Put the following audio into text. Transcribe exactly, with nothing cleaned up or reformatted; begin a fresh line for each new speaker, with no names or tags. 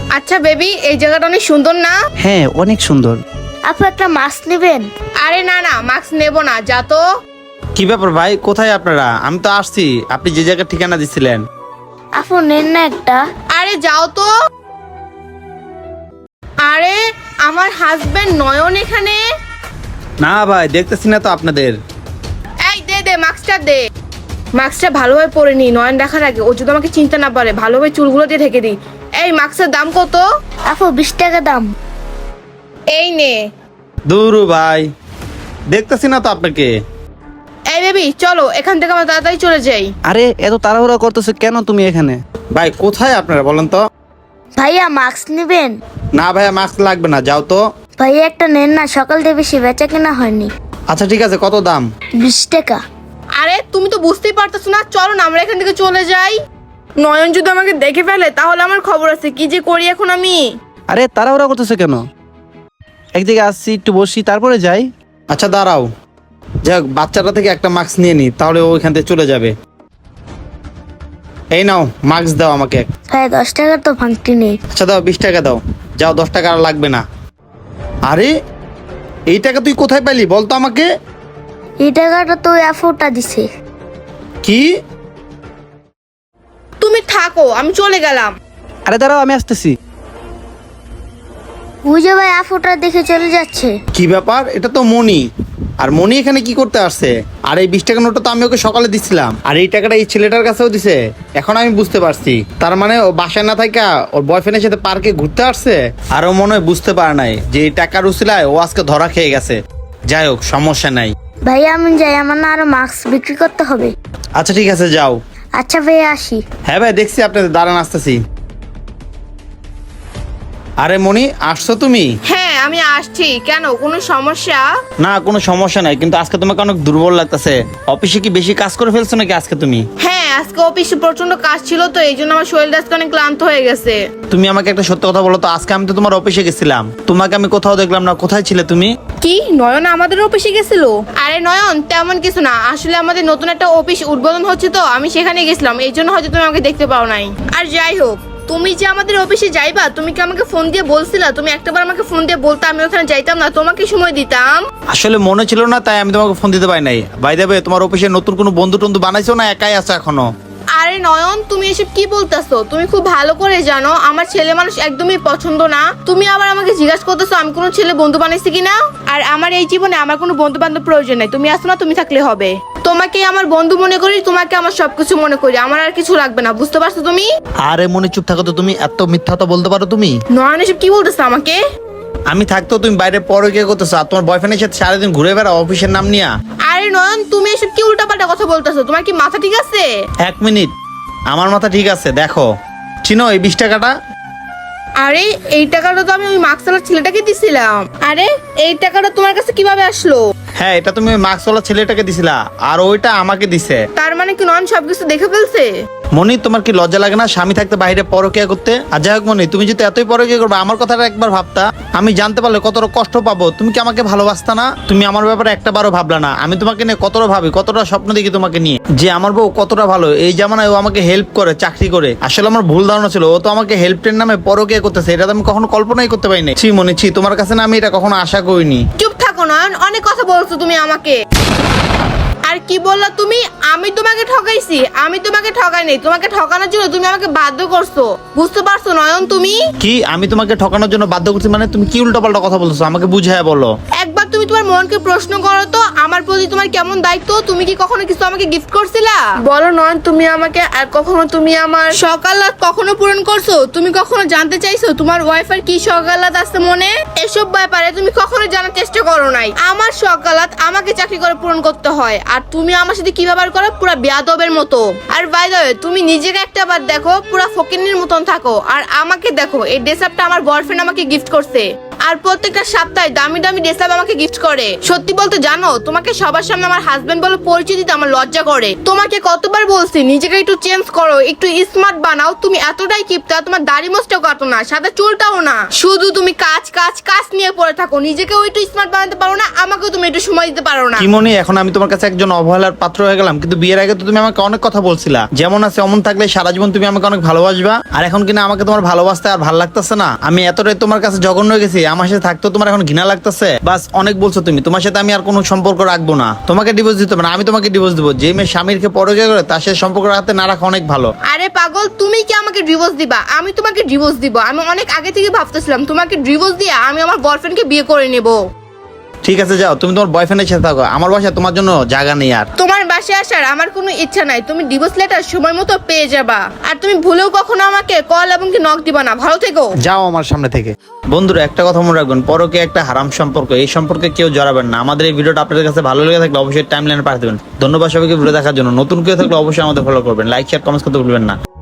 আচ্ছা বেবি, এই জায়গাটা অনেক সুন্দর না?
হ্যাঁ অনেক সুন্দর।
আপু একটা মাস্ক নেবেন?
আরে না না, মাস্ক নেব না, যা তো।
কি ব্যাপার ভাই, কোথায় আপনারা? আমি তো আসছি, আপনি যে জায়গার ঠিকানা দিছিলেন।
আপু নেন না একটা।
আরে যাও তো। আরে আমার হাজবেন্ড নয়ন এখানে।
না ভাই, দেখতেছি না তো আপনাদের।
এই দে দে মাস্কটা দে। মাস্কটা ভালোভাবে পরে নি, নয়ন দেখার আগে ও যদি আমাকে চিনতে না পারে। ভালোভাবে চুলগুলো দিয়ে ঢেকে দি। এই মাস্কের দাম কত?
আপু বিশ টাকা দাম।
এই নে।
দূরু ভাই, দেখতেছি না তো আপনাকে।
এই বেবি চলো এখান থেকে আমরা তাড়াতাড়ি চলে যাই।
আরে এত তাড়াহুড়া করতেছো কেন তুমি এখানে?
ভাই কোথায় আপনারা বলেন তো?
ভাইয়া মাস্ক নেবেন?
না ভাইয়া, মাস্ক লাগবে না, যাও তো।
ভাইয়া একটা নেন না, সকাল থেকে বেশি বেচা কেনা হয়নি।
আচ্ছা ঠিক আছে, কত দাম?
বিশ টাকা।
আরে তুমি তো বুঝতেই পারতেছো না, চলো না আমরা এখান থেকে চলে যাই। নয়ন যদি আমাকে দেখে ফেলে তাহলে আমার খবর আছে, কি যে করি এখন আমি।
আরে তাড়াহুড়া করতেছো কেন? একদিকে আসছি, একটু বসি, তারপরে যাই।
আচ্ছা দাঁড়াও, যাক বাচ্চাটা থেকে একটা মাস্ক নিয়ে নি, তাহলে ও ওইখান থেকে চলে যাবে। এই নাও মাস্ক দাও আমাকে।
ভাইয়া দশ টাকার তো ভাঙতি নেই।
আচ্ছা দাও, বিশ টাকা দাও। যাও, দশ টাকা আর লাগবে না। আরে এই টাকা তুই কোথায় পেলি বলতো আমাকে?
এই টাকাটা তো ওই আপুটা দিছে।
কি?
তুমি থাকো, আমি চলে গেলাম।
আরে দাঁড়াও, আমি আসতেছি।
বুঝে ভাই আপুটা দেখে চলে যাচ্ছে।
কি ব্যাপার, এটা তো মনি। আর মনি এখানে কি করতে আসছে? আর এই বিশ টাকা নোটটা তো আমি ওকে সকালে দিছিলাম, আর এই টাকাটা এই ছেলেটার কাছেও দিছে। এখন আমি বুঝতে পারছি, তার মানে ও বাসায় না থাকা ওর বয়ফ্রেন্ডের সাথে পার্কে ঘুরতে আসছে। আর ও মনে হয় বুঝতে পারে নাই যে এই টাকার উসিলায় ও আজকে ধরা খেয়ে গেছে। যাই হোক, সমস্যা নাই।
ভাইয়া আমি যাই, আমার না আরো মাস্ক বিক্রি করতে হবে।
আচ্ছা ঠিক আছে, যাও।
আচ্ছা ভাইয়া আসি।
হ্যাঁ ভাই, দেখছি আপনাদের দাঁড়ান, আসতেছি। আরে মনি, আসছো তুমি?
হ্যাঁ আমি আসছি, কেন কোনো সমস্যা?
না কোনো সমস্যা নাই, কিন্তু আজকে তোমাকে অনেক দুর্বল লাগতেছে। অফিসে কি বেশি কাজ করে ফেলছো নাকি আজকে তুমি?
হ্যাঁ আজকে অফিসে প্রচন্ড কাজ ছিল তো, এই জন্য আমার শরীরটা আজকে অনেক ক্লান্ত হয়ে গেছে।
তুমি আমাকে একটা সত্য কথা বলো তো, আজকে আমি তো তোমার অফিসে গেছিলাম, তোমাকে আমি কোথাও দেখলাম না, কোথায় ছিলে তুমি?
কি নয়ন আমাদের অফিসে গেছিল? আরে নয়ন তেমন কিছু না, আসলে আমাদের নতুন একটা অফিস উদ্বোধন হচ্ছে তো আমি সেখানে গেছিলাম, এই জন্য হয়তো তুমি আমাকে দেখতে পাও নাই। আর যাই হোক, তুমি যে আমাদের অফিসে যাইবা, তুমি কি আমাকে ফোন দিয়ে বলছিলা? তুমি একটাবার আমাকে ফোন দিয়ে বলতে আমি ওখানে যাইতাম না, তোমাকে সময় দিতাম।
আসলে মনে ছিল না, তাই আমি তোমাকে ফোন দিতে পারি নাই। বাই দ্য ওয়ে, তোমার অফিসে নতুন কোনো বন্ধু টন্ধু বানাইছো না একাই আছো এখনো?
আরে নয়ন তুমি এসব কি বলতেছো? তুমি খুব ভালো করে জানো আমার ছেলে মানুষ একদমই পছন্দ না। তুমি আবার আমাকে জিজ্ঞাসা করতেছো আমি কোনো ছেলে বন্ধু বানাইছি কিনা। আর আমার এই জীবনে আমার কোনো বন্ধু বান্ধব প্রয়োজন নাই, তুমি আসো না, তুমি থাকলে হবে। তোমাকে আমার বন্ধু মনে করি, তোমাকে আমার সবকিছু মনে করি, আমার আর কিছু লাগবে না, বুঝতে পারছো তুমি?
আরে মনে চুপ থাকো তো, তুমি এত মিথ্যা কথা বলতে পারো তুমি?
নয়ন এসব কি বলতেছো আমাকে?
আমি থাকতেও তুমি বাইরে পরে কে করতেছো, আর তোমার বয়ফ্রেন্ডের সাথে সারাদিন ঘুরে বেড়াও অফিসের নাম নিয়া।
আরে নয়ন তুমি এসব কি উল্টাপাল্টা কথা বলতেছো? তোমার কি মাথা ঠিক আছে?
এক মিনিট, আমার মাথা ঠিক আছে। দেখো, চিনো এই বিশ টাকাটা?
আরে এই টাকাটা তো আমি ওই মার্কসালার ছেলেটাকে দিছিলাম। আরে এই টাকাটা তোমার কাছে কিভাবে আসলো?
হ্যাঁ, এটা তুমি মাস্কওয়ালা ছেলেটাকে দিছিলা, আর ওইটা আমাকে দিছে।
তার মানে কি নয়ন সবকিছু দেখে ফেলছে?
মনি, তোমার কি লজ্জা লাগে না স্বামী থাকতে বাইরে পরকিয়া করতে? আর যাই হোক মনি, তুমি যদি এতই পরকিয়া করবে, আমার কথাটা একবার ভাবতা। আমি জানতে পারলে কতটা কষ্ট পাবো। তুমি কি আমাকে ভালোবাসতা না? তুমি আমার ব্যাপারে একটা বারও ভাবলা না। আমি তোমাকে নিয়ে কতটা ভাবি, কতটা স্বপ্ন দেখি তোমাকে নিয়ে, যে আমার বউ কতটা ভালো। এই জামানায় ও আমাকে হেল্প করে, চাকরি করে। আসলে আমার ভুল ধারণা ছিল, ও তো আমাকে হেল্পের নামে পরকিয়া করতেছে। এটা তো আমি কখনো কল্পনাই করতে পারিনি। ছি মনি, ছি, তোমার কাছে না আমি এটা কখনো আশা করিনি।
চুপ থাকো নয়ন, অনেক কথা বলছো তুমি আমাকে। আর কি বললা তুমি? আমি তোমাকে ঠকাইছি? আমি তোমাকে ঠকাই নাই, তোমাকে ঠকানোর জন্য তুমি আমাকে বাধ্য করছো, বুঝতে পারছো নয়ন তুমি?
কি আমি তোমাকে ঠকানোর জন্য বাধ্য করছি? মানে তুমি কি উল্টাপাল্টা কথা বলছো, আমাকে বুঝায় বলো।
একবার তুমি তোমার মনকে প্রশ্ন করো তো, আমার প্রতি তোমার কেমন দায়িত্ব? তুমি কি কখনো কিছু আমাকে গিফট করছিলা? বলো নয়ন তুমি আমাকে, আর কখনো তুমি আমার সকালাত কখনো পূরণ করছো? তুমি কখনো জানতে চাইছো তোমার ওয়াইফের কি সকালাত আছে মনে? এসব ব্যাপারে তুমি কখনো জানার চেষ্টা করো নাই। আমার সকালাত আমাকে চাকরি করে পূরণ করতে হয়, আর তুমি আমার সাথে কি ব্যবহার করো, পুরো বেয়াদবের মতো। আর বাই দ্য ওয়ে, তুমি নিজেকে একটা বার দেখো, পুরো ফকিন্নির মতন থাকো, আর আমাকে দেখো, এই ড্রেস আপটা আমার বয়ফ্রেন্ড আমাকে গিফট করছে। আর প্রত্যেকটা সপ্তাহে দামি দামি ড্রেস আপ আমাকে গিফট করে। সত্যি বলতে জানো, তোমাকে সবার সামনে আমার হাজবেন্ড বলে পরিচয় দিতে আমার লজ্জা করে। তোমাকে কতবার বলছি নিজেকে একটু চেঞ্জ করো, একটু স্মার্ট বানাও। তুমি এতটাই কিপটা, তোমার দাড়ি মোছটাও কাটো না, সাদা চুলটাও না, শুধু তুমি কাজ কাজ কাজ নিয়ে পড়ে থাকো। নিজেকেও একটু স্মার্ট বানাতে পারো না, আমাকেও তুমি একটু সময় দিতে পারো না।
কি মনি, এখন আমি তোমার কাছে একজন অবহেলার পাত্র হয়ে গেলাম? কিন্তু বিয়ের আগে তো তুমি আমাকে অনেক কথা বলছিলা, যেমন আছে অমন থাকলে সারা জীবন তুমি আমাকে অনেক ভালোবাসবা। আর এখন কিনা আমাকে তোমার ভালোবাসতে আর ভালো লাগতেছে না? আমি এতটাই তোমার কাছে জঘন্য হয়ে গেছি, আমার সাথে থাকতেও তোমার এখন ঘৃণা লাগতেছে? বাস, অনেক বলছো তুমি, তোমার সাথে আমি আর কোনো সম্পর্ক রাখবো না। তোমাকে ডিভোর্স দিতে হবে না, আমি তোমাকে ডিভোর্স দেবো। যে মেয়ে স্বামীরকে পরকিয়া করে তার সাথে সম্পর্ক রাখতে না রাখা অনেক ভালো।
আরে পাগল, তুমি কি আমাকে ডিভোর্স দিবা? আমি তোমাকে ডিভোর্স দিব। আমি অনেক আগে থেকে ভাবতেছিলাম তোমাকে ডিভোর্স দিয়ে আমি আমার বয়ফ্রেন্ডকে বিয়ে করে নেব।
ঠিক আছে, যাও, তুমি তোমার বয়ফ্রেন্ডের সাথে থাকো, আমার বাসায় তোমার জন্য জায়গা নেই আর।
তোমার বাসায় আসার আমার কোনো ইচ্ছা নাই। তুমি ডিভোর্স লেটার সময় মতো পেয়ে যাবা। আর তুমি ভুলেও কখনো আমাকে কল এবং কি নক দিবা না। ভালো থেকো।
যাও আমার সামনে থেকে। বন্ধুরা, একটা কথা মনে রাখবেন, পরকে একটা হারাম সম্পর্ক, এই সম্পর্কে কেউ জড়াবেন না। আমাদের এই ভিডিওটা আপনাদের কাছে ভালো লেগে থাকলে অবশ্যই টাইমলাইনে পাঠিয়ে দেবেন। ধন্যবাদ সবাইকে ভিডিও দেখার জন্য। নতুন কেউ থাকলে অবশ্যই আমাদের ফলো করবেন, লাইক শেয়ার কমেন্টস করতে ভুলবেন না।